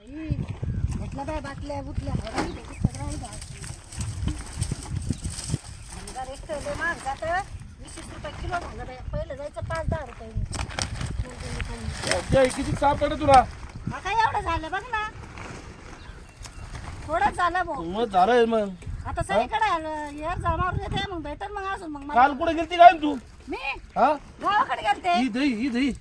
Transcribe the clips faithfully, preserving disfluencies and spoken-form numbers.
घेतलं बाय बाटल्या बुटल्या एक तर लय महाग जातं वीस वीस रुपये किलो झालं बाय. पहिलं जायचं पाच दहा रुपये. किती सापडे तुला? हा काय एवढं झालं बघ ना, थोडंच झालं भाऊ. मग झालंय मग. आता सगळीकडे यार जाणार येते मग भेटल मग अजून मग मला. काल कुठे गेलती काय तू? मी हा गावाकडे गेलते. ही दही ही दही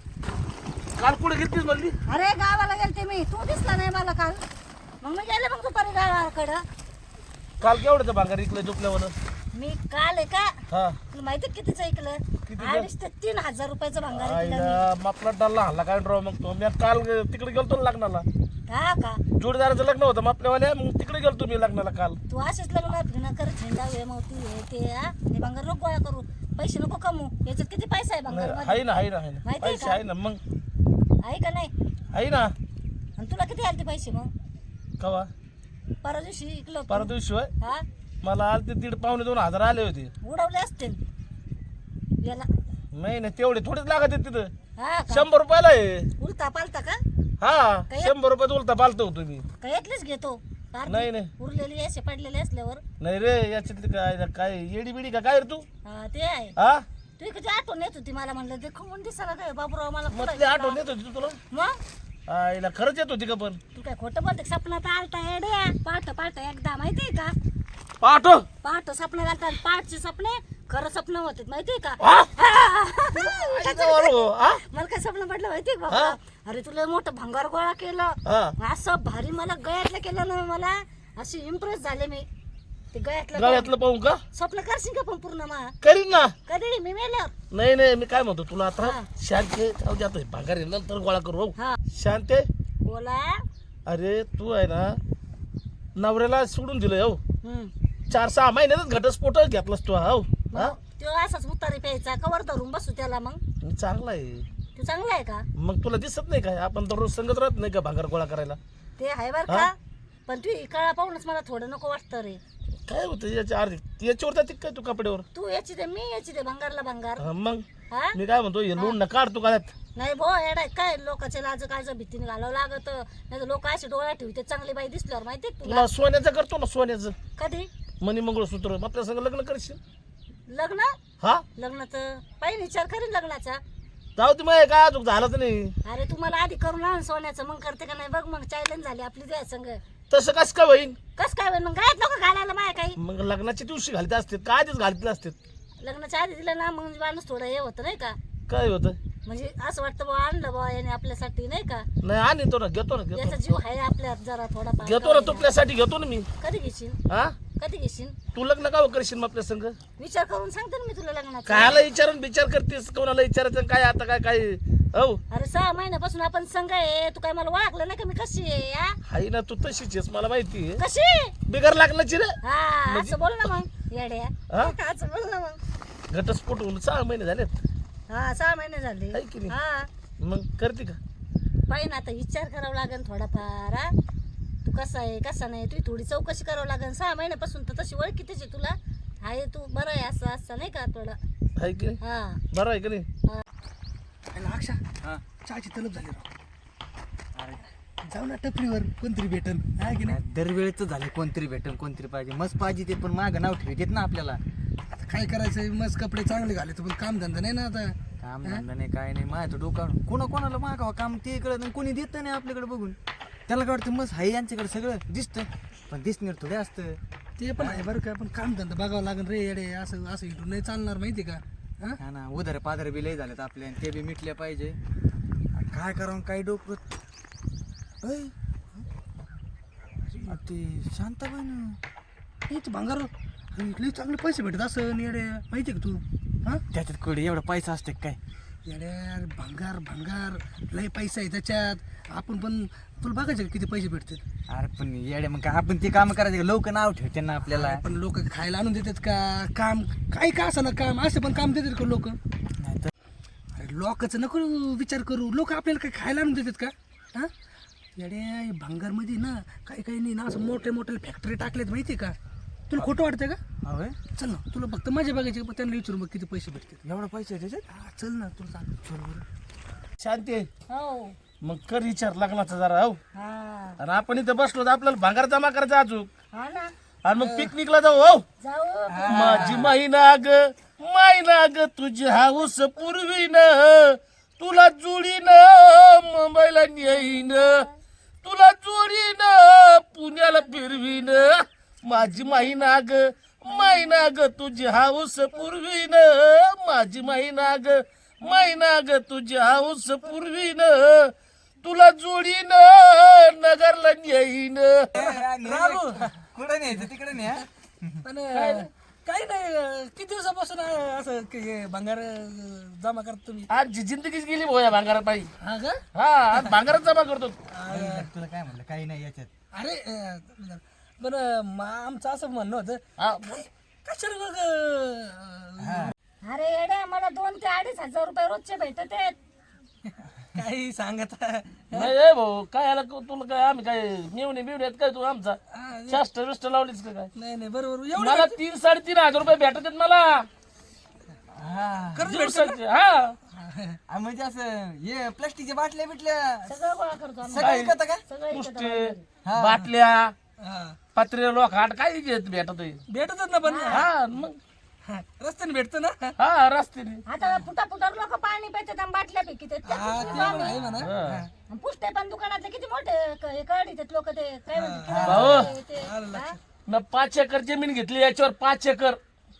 काल कुठे गेलतीस म्हणली? अरे गावाला गेलते मी, तू दिसला नाही मला काल. मग मी गेले मग दुपारी गावाकडं. काल केवढ्याचं भांगार इकलं झोपल्यावर? मी काल आहे का हा तुला माहिती कितीचं ऐकलं? कितीचं? अडीच ते तीन हजार रुपयाचं भांगार ऐकलं आईला मापला डल्ला हल्ला काय ड्रॉ मग तो मी काल तिकडे गेलतो ना लग्नाला. मी. हा का जोडीदाराचं लग्न होतं मापल्यावाल्या, मग तिकडे गेलतो मी लग्नाला काल. तू असेच लग्न फिरणं करत हिंडावे मग तू हे ते हा हे भांगार नको गोळा करू, पैसे नको कमू. याच्यात किती पैसा आहे भांगार मध्ये आहे ना आहे ना आहे ना माहिती आहे पैसे का? आहे ना मग आहे का नाही? आहे ना. आणि तुला किती आले ते पैसे मग? कवा? परवा दिवशी इकलं होतं. परवा दिवशी होय हा मला आले ते दीड पावणे दोन हजार आले होते. उडवले असतील याला. नाही नाही तेवढे थोडेच लागत आहेत तिथं. हा का शंभर रुपयाला आहे. उलता पालता का हा काय? शंभर रुपयात उलटा पालतो होतो मी. का यातलीच घेतो? अर्धी नाही, नाही. उरलेली असे पडलेले असल्यावर. नाही रे याच्यातली काय काय येडी बिडी का काय रे तू? हा ते आहे. हा तू किती आठवण येत होती मला, म्हणलं देखो म्हणून दिसायला काय बाबूराव मला मग पुढं ते आठवण गेला. येत होती तू तुला? मग आईला खरंच येत होती का पण? तू काय खोटं बोलते? सपनात आलता येड्या पाठ पाठ एकदा माहितीये का? पाठव पाठ स्वप्न घालतात, पाठचे स्वप्ने खरं स्वप्न होते माहितीये का? हा? आईला बरोबर, हा? मला काय स्वप्न पडलं माहितीये का हा? बाबा? अरे तुला मोठं भंगार गोळा केलं हा असं भारी, मला गळ्यातलं केलं ना, मला अशी इम्प्रेस झाले मी ते गळ्यातलं. गळ्यातलं पाहू का? स्वप्न करशील का पण पूर्ण मा? करीन ना. कधी मी मेल्यावर? नाही नाही मी काय म्हणतो तुला आता हा. शांत जाऊ जातोय भागारी नंतर गोळा करू हो. हा शांत बोला. अरे तू आहे ना नवऱ्याला सोडून दिलंय हो. हम्म चार सहा महिन्यातच घटस्फोट घेतलास तू हो. हा तो असाच उतारी प्यायचा, कवर धरून बसू त्याला. मग मी चांगला आहे. तू चांगला आहे का? मग तुला दिसत नाही काय आपण दररोज संगत राहत नाही का भांगार गोळा करायला? ते आहे बर हा? का, पण तू काळा पाहूनच मला थोडं नको वाटतं रे. काय होतं याच्या अर्धी याच्यावर जाते काय तू कपड्यावर? तू याची दे मी याची दे, भंगारला भंगार. हा, मग हा मी काय म्हणतो हे लोण न काढ तू काय नाही भो येडाय काय, लोकांच्या लाज काय भीतीने घालावं लागत. नाही तर लोक असे डोळा ठेवते चांगली बाई दिसल्यावर माहितीये का तुला? तुला सोन्याचं करतो ना सोन्याचं कधी मनी मंगळसूत्र आपल्या संग लग्न करशील? लग्न? हा लग्नाचं पाहिजे विचार करीन लग्नाचा. जाऊ दे मग काय अजून झालं तर नाही. अरे तू मला आधी करून आण सोन्याचं, मग करते का नाही बघ. मग चॅलेंज झाली आपली त्या संग. तसं कसं काय होईन? कस काय होईल मग? काय लोक घालायला माया काही? मग लग्नाच्या दिवशी घालते असते का आधीच घालते असते? लग्नाच्या आधी दिलं ना मग माणूस थोडं हे होतं नाही का, काय होतं? म्हणजे असं वाटतं बा आणलं बा याने आपल्यासाठी नाही का, नाही आणि तो ना घेतो ना घेतो याचा जीव आहे आपल्यात जरा थोडा. घेतो ना तुपल्यासाठी घेतो ना मी. कधी घेशील? हा कधी घेशील? तू लग्न का करशील मग आपल्या संग? विचार करून सांगते ना मी तुला लग्नाचा. कायला विचारून विचार करतेस? कोणाला विचारायचं काय आता काय काय हो? अरे सहा महिन्यापासून आपण संघ आहे, तू काय मला ओळखलं नाही का मी कशी आहे या? हाय ना तू तशीच आहेस मला माहिती आहे. कशी? बिगर लागण्याची रे. हा असं बोल ना मग येड्या. हा? असं बोल ना मग. घटस्फोट होऊन सहा महिने झालेत हा सहा महिने झाले. आहे की नाही? हा मग करते का? पाहिजे ना आता विचार करावा लागेल थोडाफार. हा? तू कसा आहे कसा नाही तुझी थोडी चौकशी करावं लागेल. सहा महिन्यापासून तर तशी ओळखी त्याची तुला आहे, तू बरं आहे असं असं नाही का थोडा. आहे की नाही? हा बरं आहे की नाही? अक्षा हा. चहाची तलब झाली राव. जाऊ ना टपरीवर कोणतरी भेटन आहे की नाही? दरवेळेच झाले कोणतरी भेटन कोणतरी पाहिजे मस्त पाहिजे ते, पण माग नाव ठेवतात ना आपल्याला. आता काय करायचं, मस्त कपडे चांगले घाले पण काम धंदा नाही ना आता. काम धंदा नाही काय नाही, माझ्या डोकावून कोणा कोणाला मागावं काम ते कळत नाही, कोणी देत नाही आपल्याकडे बघून. त्याला काय वाटतं मस्त हाय यांच्याकडे सगळं दिसतं, पण दिसणार थोडे असतं. ते पण आहे बरं का, पण काम धंदा बघावं लागेल रे येडे. असं असं इथून नाही चालणार माहिती का? हा हा ना, उधार पाधार बी लय झालेत आपले आणि ते बी मिटले पाहिजे. आणि काय करावं काय डोकं ऐ, आ ते शांताबाई ना हेच भांगार लई चांगले पैसे भेटत असं येडे माहिती का तू? हा त्याच्यात कडे एवढा पैसा असते काय? येड्या भंगार भंगार लय पैसा आहे त्याच्यात. आपण पण तुला बघायचं का किती पैसे भेटतात? अरे पण येडे मग काय आपण ते काम करायचं लोक नाव ठेवते ना आपल्याला. पण लोक खायला आणून देतात का? काम काही का असं ना काम असं पण काम देतात का लोक? नाही तर अरे लोकांचं नको विचार करू, लोक आपल्याला काही खायला आणून देतात का? हा येड्या भंगारमध्ये ना काही काही नाही ना असं मोठे मोठे फॅक्टरी टाकलेत माहिती का? तुला खोटं वाटतंय का? होय चल ना तुला फक्त मजा बघायची, पण त्यांना विचारून बघ किती पैसे भेटतात. एवढा पैसा आहे त्याच्यात? हा चल ना तुला सांग. शांती आहे. हो मग कर विचार लग्नाचा जरा हो. हा आणि आपण इथं बसलो तर आपल्याला भांगार जमा करायचा अजून हा ना आणि मग पिकनिकला जाऊ हो जाऊ माझी माहिना ग माहिना ग तुझी हाऊस पूर्वीन तुला जोडीन मुंबईला नेईन तुला जोडीन पुण्याला फिरवीन माझी माहिना ग माहिना ग तुझी हाऊस पूर्वीन माझी माहिना ग माहिना ग तुझी हाऊस पूर्वीन तुला जोडीन नगरला नेईन कुठे न्यायचं तिकडे न्या पण अं, काही नाही अं, किती दिवसापासून अं, असं क- हे भांगार अं, जमा करता तुम्ही आजची जिंदगीच गेली भोया भांगारात पायी हा का हा आज भांगारात जमा करतो तुला काय म्हणलं काही नाही याच्यात अरे अं, पण अं, मा- आमचं असं म्हणणं होतं हा, कशाला मग अं, अरे येड्या मला दोन ते अडीच हजार रुपये रोजचे भेटत आहेत काही सांगत नाही ए भाऊ काय याला क- तुला काय आम्ही काय मिळवणे बिवणे काय तू आमचा हा, शास्ट बिस्ट लावलीस का काय नाही नाही बरोबर एवढं मला तीन साडेतीन हजार रुपये भेटत आहेत मला हा खरंच दिवसाचे हा आ, म्हणजे असं हे प्लास्टिकच्या बाटल्या बिटल्या सगळं गोळा करतो आम्ही सगळं विकत का सगळं इकडं पुष्टे बाहेर. बाटल्या हा. पत्रे लोखाट काय घेत भेटत आहे. भेटतच ना पण हा मग हा, रस्त्याने भेटतं ना हा रस्त्याने आता फुटा फुटा लोक पाणी पितात आणि बाटल्या पिकित हा, ते पण आहे म्हणा हा. पुष्टे पण दुकानातले किती मोठे क- हे काढीत लोक ते काय म्हणतात भाऊ. किराणा ते- हा? न पाच एकर जमीन घेतली याच्यावर पाच एकर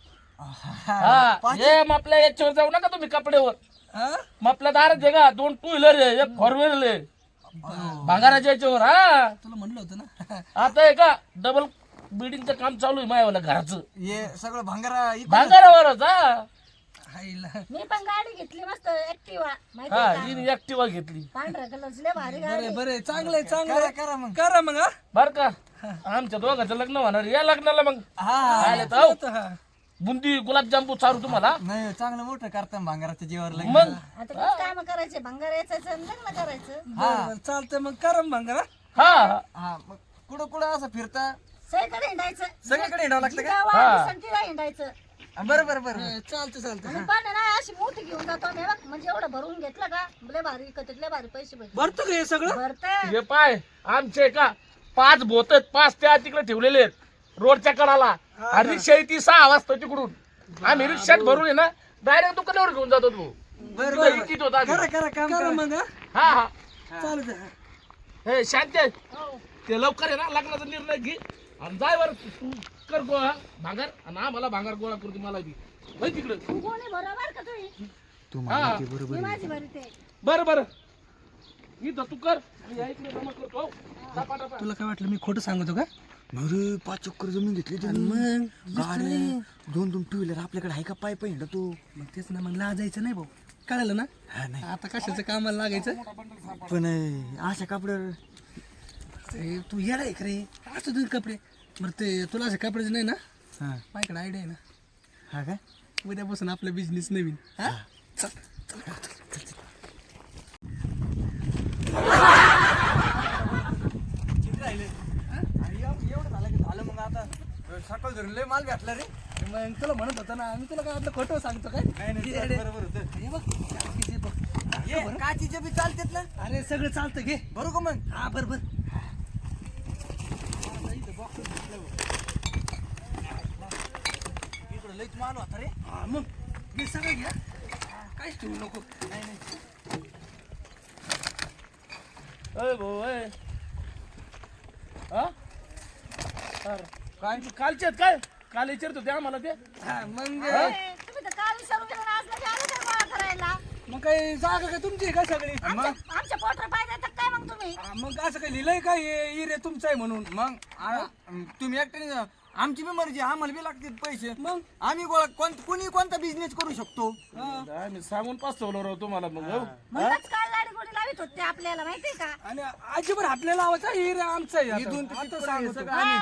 हा हे आपल्या याच्यावर जाऊ नका तुम्ही कपड्यावर हा? मग आपल्या दारात आहे का दोन टू व्हीलर आहे एक फोर व्हीलर आहे भांगाराच्या याच्यावर हा तुला म्हणलं होतं ना आता आहे का डबल बिल्डिंगचं काम चालू आहे मायावाला घराचं हे सगळं भांगारा इकडं- भांगारावरच हा हायला. मी पण गाडी घेतली मस्त ऍक्टिवा माहिती हा आहे का? हिने ऍक्टिवा घेतली पांढऱ्या कलरची लय भारी गाडी बरे बरे चांगलं आहे चांगलं करा आहे. करा मग करा मग हा बर का आमच्या दोघांचं लग्न होणार या लग्नाला मग हा आले तर हो. हा. बुंदी गुलाबजामू चारू तुम्हाला नाही चांगलं मोठं करता भांगाराच्या जीवावर लग्न. मग आता किती काम करायचे भंगार यायचं आणि लग्न करायचं बरं, बरं, चालतंय मग करा मग भांगार हा हा. हा मग कुठं कुठं असं फिरता सगळीकडे हिंडायचं सगळीकडे हिंडावं लागतं का गाव आहे, दिसंतीला हिंडायचं हा, बरं बरं बरं हा, चालतं चालतं आणि पण ना अशी मोठी घेऊन जातो आम्ही बघ म्हणजे एवढं भरून घेतलं का लय भारी विकत लय भारी पैसे भेटले भरतो का हे सगळं भरत हे पाय आमचे का पाच भोत आहेत, पाच त्या तिकडे ठेवलेले आहेत रोडच्या कडाला आणि रिक्षा ती सहा वाजता तिकडून आम्ही रिक्षात भरून आहे ना डायरेक्ट दुकानावर घेऊन जातो तू बरं तुला इकीत होता आम्ही. करा करा काम करा करा मग हा. हा हा चालतं हे शांत आहे. हो. ते लवकर आहे ना लग्नाचा निर्णय घे आणि जाय वर तू कर गोळा भांगार आणि आम्हाला भांगार गोळा करू दे मला बी होय तिकडं तू कोणी बरोबर का तुम्ही तू हा मी माझी भरी ते बरं बरं इथं तू कर मी या इकडे जमा करतो हो. टपा टपा तुला काय वाटलं मी खोटं सांगतो का अरे पाच चक्कर जमीन घेतली आणि मग गाड्या दोन दोन टू व्हीलर आपल्याकडे आहे का पाय पाय हिंडा तू मग तेच ना मग लाजायचं नाही भाऊ कळालं ना हा नाही आता कशाचं कामाला लागायचं पण अं, अशा कपड्यावर ते तू येडा आहे रे असं तुझे कपडे बरं ते तुला असे कपड्याचे नाही ना हा माझ्याकडे आयडिया आहे ना हा का उद्यापासून आपला बिझनेस नवीन हा चल एवढं झालं की झालं मग आता सकाळ धरून लय माल भेटला रे मग तुला म्हणत होता ना मी तुला काय वाटलं खोटं सांगतो काय नाही येडे. बरोबर होतं हे बघ काचीचे बघ. ये काचीच्या बी चालतात ना अरे सगळं चालतं घे बरोबर का मग हा बर बर इकडं लयच माल होता रे हा मग हे सगळं घ्या काहीच ठेवू नको नाही नाही अय भाऊ अय हा अरे, काय कालचे आहेत काय काल विचारत होते आम्हाला ते हा मग अरे, तुम्ही तर काल विचारून गेला ना, आज लगे आले काय गोळा करायला मग काही जागा काय तुमची आहे का सगळी आमच्या आमच्या पोटर पाहिजे तर काय मग तुम्ही हा, मग असं काही लिहिलंय का हे इरे तुमचं आहे म्हणून मग आ- तुम्ही एकट्याने आमची बी मर्जी आम्हाला बी लागतात पैसे मग आम्ही गोळा कोण कुणी कोणता बिझनेस करू शकतो आम्ही सांगून पाचवलं राव तुम्हाला मग हो म्हणूनच काल लाडी गोडी लावित होते आपल्याला माहितीये का आणि अजिबात आपल्याला आवाज आहे हिरे आमचा आहे इथून आता. ते आता तिथपर्यंत सांगतो सगळं आम्ही काय?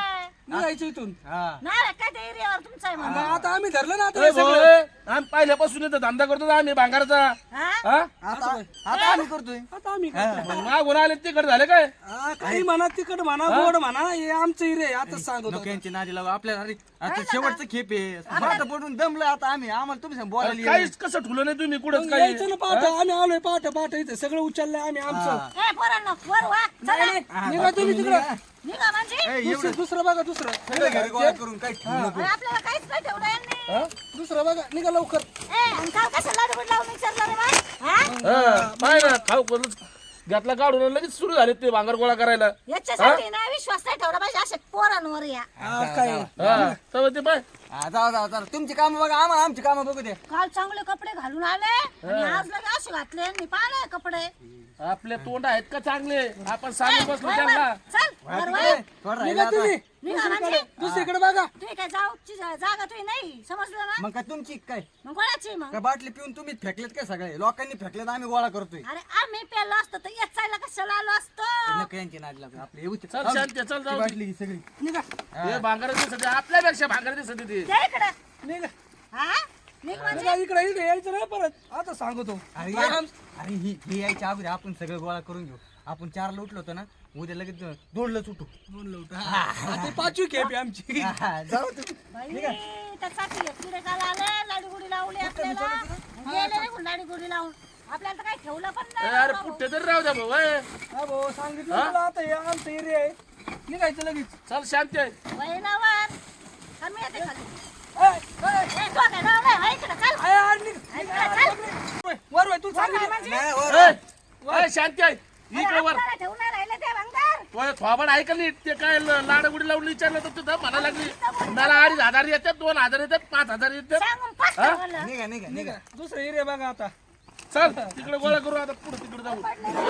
निघायचं इथून. हा नाही काय ते एरियावर तुमचं आहे म्हणून. मग आता आम्ही धरलं ना आता ए हे भाऊ, सगळं. ए, आम्ही पहिल्यापासून इथं धंदा करतो ना आम्ही भांगारचा हा? हा आता आता आम्ही करतोय आता आम्ही मग मागून आले तिकडे झाले काय हा, काही म्हणा तिकड म्हणा गोड म्हणा हे आमचं हिरे आता सांगतो नको यांची नादी लागू आपल्याला अरे आता शेवटचं खेप आहे आता पडून दमलं आता आम्ही आम्हाला तुम्ही सांग बोलायला येईल. काहीच कसं ठुलं नाही तुम्ही कुठंच काही यायचं ना पाठ आम्ही आलोय पाठ पाठ इथं सगळं उचललंय आम्ही आमचं. ए पोरांनो वर वा चला निघा तुम्ही तिकडं. निघा म्हणजे ए, दुसरं दुसरं बघा दुसरं सगळं घरी गोळा करून काय ठेवू नको. अरे आपल्याला काहीच नाही ठेवलं यांनी. दुसरं बघा निघा लवकर. ए आणि काल कसं लाडू लावून विचारलं रे बा हा हा, पाय ना खाऊ करून घातला काढून आणि लगेच सुरू झाले ते भांगर गोळा करायला याच्यासाठी ना विश्वास नाही ठेवला पाहिजे अशा पोरांवर या हा, काय हा तेव्हा ते पाय हा, जाऊ जाऊ जाऊ तुमची कामं बघा आम्हाला आमची कामं बघू दे. काल चांगले कपडे घालून आले आणि आज लगे असे घातले मी पाहिले कपडे आपले तोंड आहेत का चांगले आपण सामने बसलो वर, त्यांना वर, चल वर, वर. थोडं राहिलं निघा आता. तुम्ही निघा म्हणजे दुसरीकडे बघा. तुम्ही काय जाऊची जा- जागा तुम्ही नाही समजलं ना मग काय तुमची काय मग कोणाची मग काय बाटली पिऊन तुम्ही फेकलेत काय सगळे लोकांनी फेकलेत आम्ही गोळा करतोय. अरे आम्ही प्यालो असतो तर याचायला कशाला आलो असतो नको यांची नादी लागू आपले येऊ चल शांत चल ती जाऊ बाटली ही सगळी निघा हे भांगर दिसत आपल्यापेक्षा भांगर दिसत ते त्या इकडे निघा हा निघ म्हणजे निघा इकडे इकडे यायचं नाही परत आता सांगतो. अरे या- अरे ही ही यायच्या अगोदर आपण सगळं गोळा करून घेऊ. आपण चारला उठलो होतो ना उद्या लगेच दोनलाच उठू. दोन लवट ते पाचवी खेप आहे आमची. हा, जाऊ तुम्ही. बाई त्यासाठी किडे काल आले लाडी गुडी लावली आपल्याला गेले निघून लाडी गुडी लावून आपल्याला तर काही ठेवलं पण ए, नाही अरे कुठे तरी राहू द्या भाऊ ए. हा भाऊ सांगितलं तुला आता हे आमचं एरिया आहे निघायचं लगेच. चल शांत आहे वहिनावर कमी येते खाली ए, ए, ए, तो काय नाव नाही, वही इकडं, चल. ए, आ, निघ. इकडं, चल. वय, वर वय तू सांगितलं. नाही, वर. ए, ए, शांत आहे अरे, इकडे वर आपल्याला ठेवून नाही राहिले ते भंगार. तो थोबड ऐकलं नाही ते काय लाडगुडी लावून विचारलं तर तुझं म्हणा लागली मला अडीच हजार येतात दोन हजार येतात पाच हजार येतात सांगून पाच ठेवलं. निघा निघा निघा. दुसरं एरिया बघा आता. चल तिकडे गोळा करू आता पुढे तिकडे जाऊ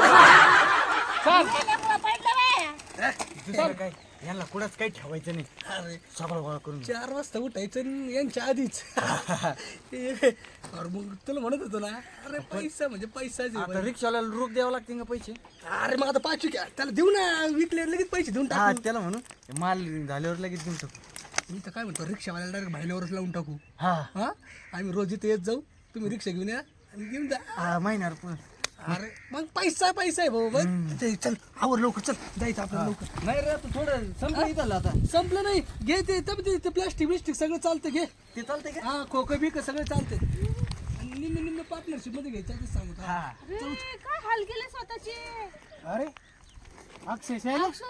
चल गेल्यामुळं पडलं बाया. दुसरं काय यांना कुठंच काही ठेवायचं नाही सगळं गोळा करून घेऊ. चार वाजता उठायचं आणि यांच्या आधीच. अरे मग तुला म्हणत होतो ना अरे पैसा म्हणजे पैसाच आहे आता बाई. रिक्षाला रूप द्यावं लागते का पैसे. अरे मग आता पाचवी घ्या त्याला देऊ ना विकले लगेच पैसे देऊन हा टाकू. त्याला म्हणून माल झाल्यावर लगेच देऊन टाकू. मी तर काय म्हणतो रिक्षावाल्याला डायरेक्ट भाईल्यावरच लावून टाकू. हा हा आम्ही रोज इथे येत जाऊ तुम्ही रिक्षा घेऊन या आणि घेऊन जा. हा महिन्यावर पण अरे मग पैसा पैसा आहे भाऊ बघ ते चल आवर लवकर चल जायचं आपल्याला लवकर. नाही रे तू थोडं संपलं इथं आता. संपलं नाही घे ते तब ते प्लास्टिक बिस्टिक सगळं चालतं घे. ते चालतंय का. हा खोकं बिक सगळं चालतं आणि निम्न निम्न पार्टनरशिप मध्ये घ्यायचं ते सांगतो. हा अरे, काय हाल केले स्वतःचे अरे अक्षय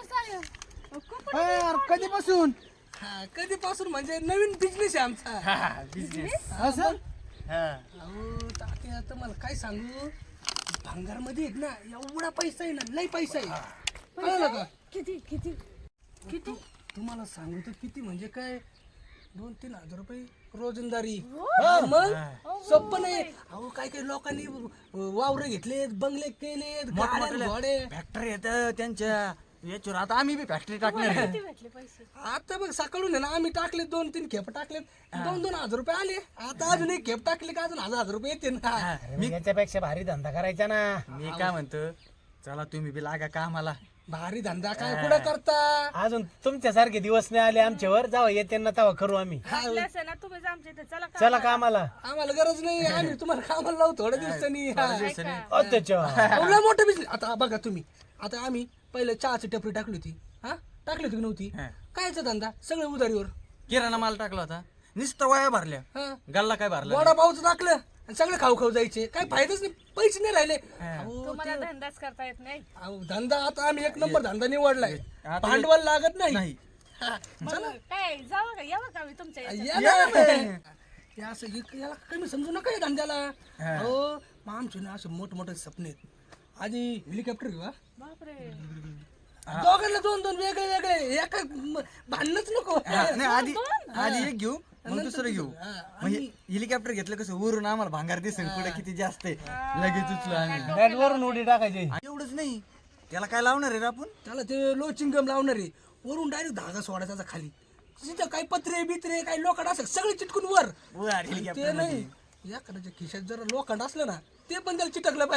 यार कधीपासून हा कधीपासून म्हणजे नवीन बिझनेस आहे आमचा. बिझनेस असं हा अहो तात्या आता मला काय सांगू भांगार मध्ये आहेत ना एवढा पैसा आहे ना लय पैसा आहे कळलं का. किती किती किती तुम्हाला सांगू तर किती म्हणजे काय दोन तीन हजार रुपये रोजंदारी. हा, मग सोपं नाही. अहो काय काही लोकांनी वावर घेतलेत बंगले केलेत गाड्या घोडे. फॅक्टरी येत त्यांच्या याच्यावर आता आम्ही बी फॅक्टरी टाकणार आहे. भेटले पैसे आता बघ सकाळून आहे ना आम्ही टाकले दोन तीन खेप टाकलेत दोन दोन हजार रुपये आले. आता अजून एक खेप टाकले का अजून हजार हजार रुपये येते ना. मी याच्यापेक्षा भारी धंदा करायचा ना. मी काय म्हणतो चला तुम्ही बी लागा कामाला. भारी धंदा काय कुठं करता. अजून तुमच्यासारखे दिवस नाही आले आमच्यावर जावा येते ना तेव्हा करू आम्ही चला कामाला आम्हाला गरज नाही आम्ही तुम्हाला कामाला लावू थोड्या दिवसांनी. हा. त्याच्या अहो, लय मोठं बिझनेस. आता बघा तुम्ही आता आम्ही पहिले चहाची टपरी टाकली होती. हा टाकली होती की नव्हती. कायचा धंदा सगळं उधारीवर. किराणा माल टाकला होता नुसतं वाया भरल्या हा गल्ला काय भरला वडापावचं टाकलं आणि सगळं खाऊ खाऊ जायचे काय फायदाच नाही पैसे नाही राहिले. अहो, ते- धंदाच करता येत नाही अहो, धंदा आता आम्ही एक नंबर धंदा निवडलाय आता- भांडवल लागत नाही. नाही हा, चला. काय जावं का यावं का मी तुमच्या या ना. हे असं हे- याला कमी समजू नका या धंद्याला. हो मग आमचे ना असे मोठे मोठे सपने आहेत. आधी हेलिकॉप्टर घेऊ हा? बापरे दोघांना दोन दोन वेगळे वेगळे एका म- भांडणच नको. हा, नाही आधी आधी एक घेऊ मग दुसरं घेऊ. म्हणजे हेलिकॉप्टर घेतलं कसं वरून आम्हाला भांगार दिसेल कुठे किती जास्त आहे लगेच उचलो आम्ही. वरून उडी टाकायची एवढंच नाही त्याला काय लावणार आहे रे आपण. त्याला ते लोचिंग गम लावणार आहे वरून डायरेक्ट धागा सोडायचा त्याचा खाली तिथं काही पत्रे बित्रे काही लोखंड असं सगळे चिटकून वर. वर ते हेलिकॉप्टर नाही या करायच्या खिशात जर लोखंड असलं ना ते पण त्याला चिटकलं पाहिजे.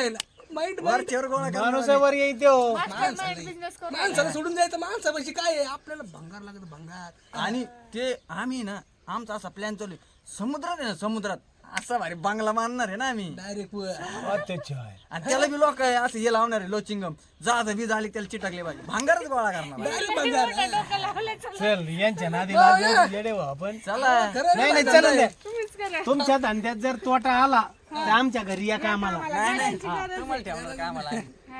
माइंड वरच्यावर गोळा करणार माणूस वर येईल त्यो माणसाला सोडून द्यायचं माणसापाशी काय आहे आपल्याला भंगार लागत भंगार आणि ते आम्ही ना आमचा असा प्लॅन चालू आहे. समुद्रात आहे ना समुद्रात असा भारी बांगला बांधणार आहे ना आम्ही डायरेक्ट अत्याचार आहे. आणि त्याला बी लोक आहे असं हे लावणार आहे लोचिंगम जहाज बी झाली त्याला चिटकले पाहिजे भांगारच गोळा करणार आहे. डायरेक्ट भंगार चल यांच्या नादी लागून येडे हो आपण चला नाही नाही चला द्या तुमच्या धंद्यात जर तोटा आला तर आमच्या घरी या कामाला नाही नाही हा, तुम्हाला ठेवणार का आम्हाला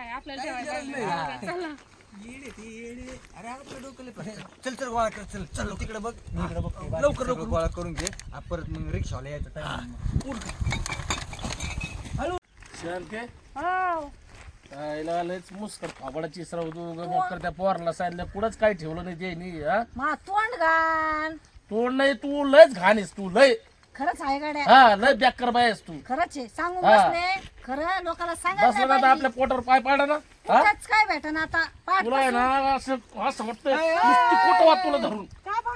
अरे आपलं डोकं लय पडतं. चल चल गोळा कर चल चल तिकडे बघ इकडे बघ लवकर लवकर गोळा करून घे आ, परत मग रिक्षावाला यायचं टाइम शांते आईला लयच मुस्कर फाबडाची सरव मोकर त्या पोराला सांगितलं पुढंच काय ठेवलं नाही ते नाही हा मा तोंड घाण तू नाही तू लयच घाणीस तू लय खरंच आहे गाड्या हा लय बेकार बायस तू खरंच आहे सांगून हा. बसले खरं लोकांना सांगायचं बसलं नाही ना तर आपल्या पोटावर पाय पाडा ना हा कुठंच काय भेटन आता पाठ तुला आहे ना असं असं वाटतं नुसती कुठं वाट तुला धरून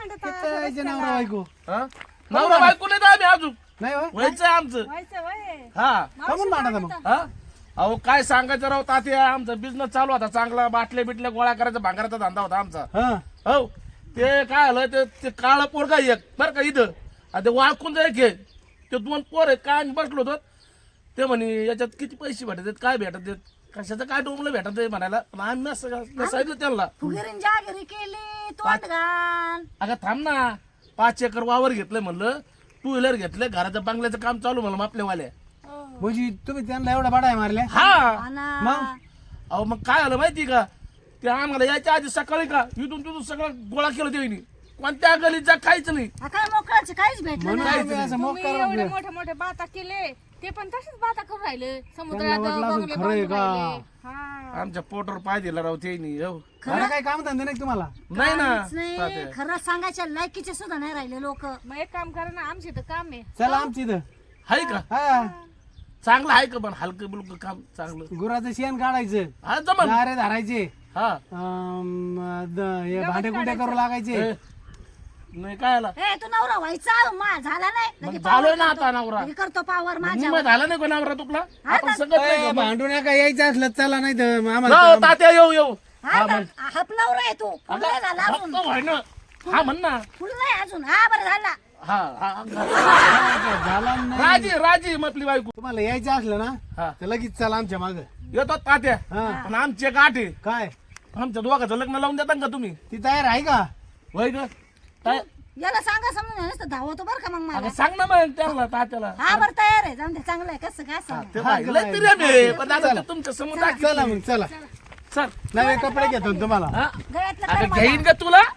नवरा बायको हा नवरा बायको नाही तर आम्ही अजून नाही हो व्हायचं आमचं हा कमून भांडता मग हा अहो काय सांगायचं राव तात्या आमचा बिझनेस चालू होता चांगला बाटल्या बिटल्या गोळा करायचा भांगाराचा धंदा होता आमचा हा हो ते काय आलं ते ते काळा पोरगा एक बरं का इथं आणि ते वाळकून जाय घे ते दोन पोर आहेत काय आम्ही बसलो होतो ते म्हणे याच्यात किती पैसे भेटत आहेत काय भेटत आहेत कशाचं काय डोंबलं भेटत आहे म्हणायला पण आम्ही असं मी सांगितलं त्यांना फुगिरीन जागिरी केली तोंड घाण अगं थांब ना पाच एकर वावर घेतलंय म्हणलं टू व्हीलर घेतलं घराचं बंगल्याचं काम चालू म्हणलं आपल्यावाल्या म्हणजे तुम्ही त्यांना एवढा बाडा मारल्या हा आणा. अहो मग काय आलं माहिती का ते आम्हाला यायच्या आधी सकाळी का इथून तिथून सगळं गोळा केलं त्यांनी कोणत्या गलीत जा काहीच नाही हा काय मोकळाचे काहीच भेटलं म्हणून नाही तुम्ही असं मोक तुम्ही एवढे मोठे मोठे बाता केले ते पण तसेच बाता करून राहिले समुद्रात वाटलं अजून बंगले खरं आहे बांधून का? राहिले. हा आमच्या पोटावर पाय दिला राव त्यांनी हो खरं काय काम धंदे नाही तुम्हाला नाही ना काहीच नाही खरं सांगायच्या लायकीचे सुद्धा नाही राहिले लोक मग एक काम करा ना आमचे तर काम आहे चला आमची इथं हाय का हा चांगलं आहे का पण हलकं बिलकं काम चांगलं गुराचं शेण काढायचं हा जमन दारे धरायचे हा अं, द- हे भांडे कुंडे करू लागायचे ए, नाही काय आला ए तू नवरा व्हायचा मा झाला नाही मग लगे झालोय ना करतो. आता नवरा लगे करतो पावर माझ्या निम्मा झाला नाही का नवरा तुला आपण सगळं ए, नाही का? भांडू नका यायचं असलं चला नाही तर हो, आम्हाला तात्या येऊ येऊ हा ना, हप नवरा आहे तू फुल नाही झाला अजून हप्ता व्हाय ना हा म्हण ना फुल नाही अजून हा बरं झाला हा हा, हा झाला नाही राजी राजी आपली बायको तुम्हाला यायचं असलं ना हा तर लगेच चला आमच्या माग येतो तात्या हा पण आमची एक आठ आहे काय आमच्या दोघांचं लग्न लावून देता का तुम्ही ती तयार आहे का होय का काय याला सांगा समजून नुसतं धावतो बरं का मग मला अगं सांग ना मग त्याला तात्याला हा बरं तयार आहे जाऊन दे चांगलं आहे कसं काय सांग ते बाई, लय तरी आम्ही, पण आता ते तुमच्या समोर चला मग चला चल नवे कपडे घेतो ना तुम्हाला हा गळ्यातलं अगं घेईन का तुला